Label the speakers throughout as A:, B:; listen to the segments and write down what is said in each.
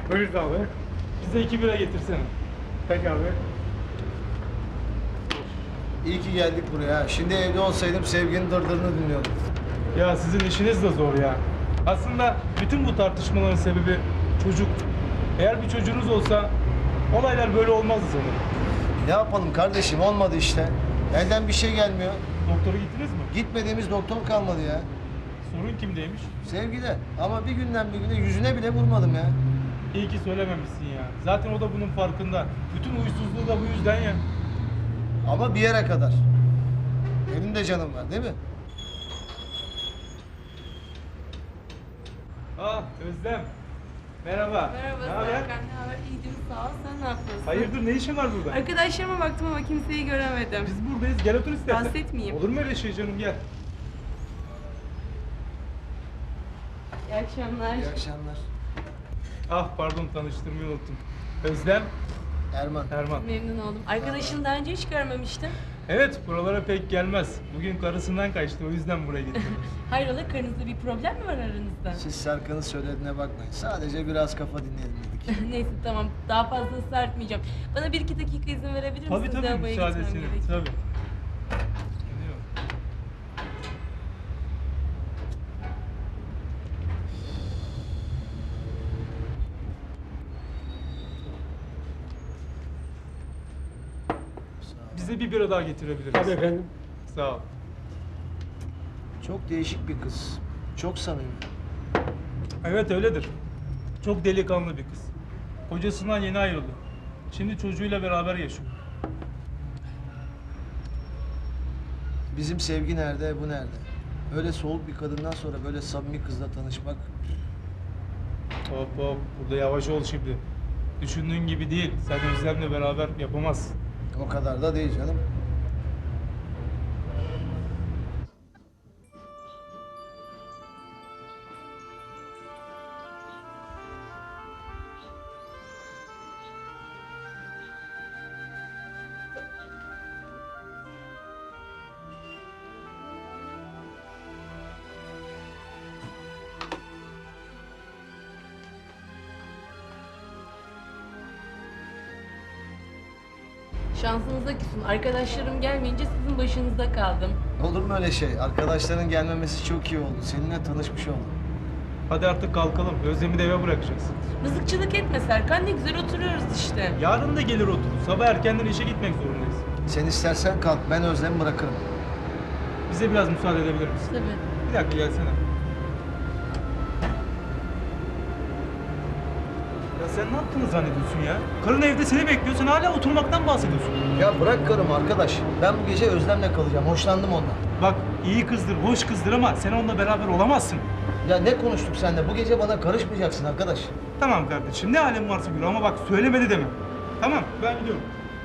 A: Buyur abi. Bize 2 bira getirsene. Peki abi.
B: İyi ki geldik buraya. Şimdi evde olsaydım Sevgi'nin dırdırını dinliyordum.
A: Ya sizin işiniz de zor ya. Aslında bütün bu tartışmaların sebebi çocuk. Eğer bir çocuğunuz olsa olaylar böyle olmazdı sanırım.
B: Ne yapalım kardeşim, olmadı işte. Elden bir şey gelmiyor.
A: Doktora gittiniz mi?
B: Gitmediğimiz doktor kalmadı ya.
A: Sorun kimdeymiş?
B: Sevgide. Ama bir günden bir güne yüzüne bile vurmadım ya.
A: İyi ki söylememişsin ya. Zaten o da bunun farkında. Bütün huysuzluğu da bu yüzden ya.
B: Ama bir yere kadar. Benim de canım var değil mi?
A: Ah Özlem. Merhaba.
C: Merhaba
A: Ne haber?
C: Serkan, ne haber? İyiyim, sağ ol. Sen ne yapıyorsun?
A: Hayırdır, ne işin var burada?
C: Arkadaşlarıma baktım ama kimseyi göremedim.
A: Biz buradayız. Gel otur istersen.
C: Rahatsız etmeyeyim.
A: Olur mu öyle şey canım, gel.
C: İyi akşamlar.
B: İyi akşamlar.
A: Ah pardon, tanıştırmayı unuttum. Özlem,
B: Erman.
A: Erman.
C: Memnun oldum. Arkadaşını daha önce hiç görmemiştim.
A: Evet, buralara pek gelmez. Bugün karısından kaçtı, o yüzden buraya getirdim.
C: Hayrola, karınızda bir problem mi var aranızda?
B: Siz Serkan'ın söylediğine bakmayın. Sadece biraz kafa dinleyelim dedik.
C: Neyse tamam, daha fazla ısrar etmeyeceğim. Bana 1-2 dakika izin verebilir misiniz?
A: Tabii tabii,
C: Lavaboya gitmem
A: müsaadesini.
C: gerekiyor.
A: Tabii. Geliyor. Bize bir bira daha getirebiliriz.
D: Tabii efendim.
A: Sağ ol.
B: Çok değişik bir kız. Çok samimi.
A: Evet öyledir. Çok delikanlı bir kız. Kocasından yeni ayrıldı. Şimdi çocuğuyla beraber yaşıyor.
B: Bizim Sevgi nerede, bu nerede? Öyle soğuk bir kadından sonra böyle samimi kızla tanışmak...
A: Hop hop, burada yavaş ol şimdi. Düşündüğün gibi değil. Sen Özlem'le beraber yapamazsın.
B: O kadar da değil canım.
C: Şansınıza küsün. Arkadaşlarım gelmeyince sizin başınızda kaldım.
B: Olur mu öyle şey? Arkadaşların gelmemesi çok iyi oldu. Seninle tanışmış oldum.
A: Hadi artık kalkalım. Özlem'i de eve bırakacağız.
C: Mızıkçılık etme Serkan, ne güzel oturuyoruz işte.
A: Yarın da gelir oturur. Sabah erkenden işe gitmek zorundayız.
B: Sen istersen kalk, ben Özlem'i bırakırım.
A: Bize biraz müsaade edebilir misin?
C: Tabii.
A: Bir dakika gelsene. Ya sen ne yaptığını zannediyorsun ya? Karın evde seni bekliyor, sen hala oturmaktan bahsediyorsun.
B: Ya bırak karımı arkadaş. Ben bu gece Özlem'le kalacağım. Hoşlandım ondan.
A: Bak iyi kızdır, hoş kızdır ama sen onunla beraber olamazsın.
B: Ya ne konuştuk seninle? Bu gece bana karışmayacaksın arkadaş.
A: Tamam kardeşim, ne halin varsa gör ama bak söylemedi deme. Tamam, ben gidiyorum.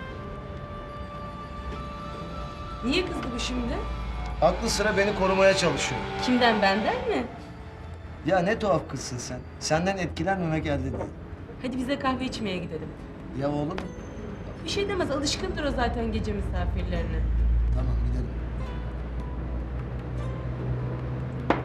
C: Niye kızdı bu şimdi?
B: Aklı sıra beni korumaya çalışıyor.
C: Kimden, benden mi?
B: Ya ne tuhaf kızsın sen. Senden etkilenmemek elde değil.
C: Hadi bize kahve içmeye gidelim.
B: Ya oğlum?
C: Bir şey demez, alışkındır o zaten gece misafirlerine.
B: Tamam gidelim.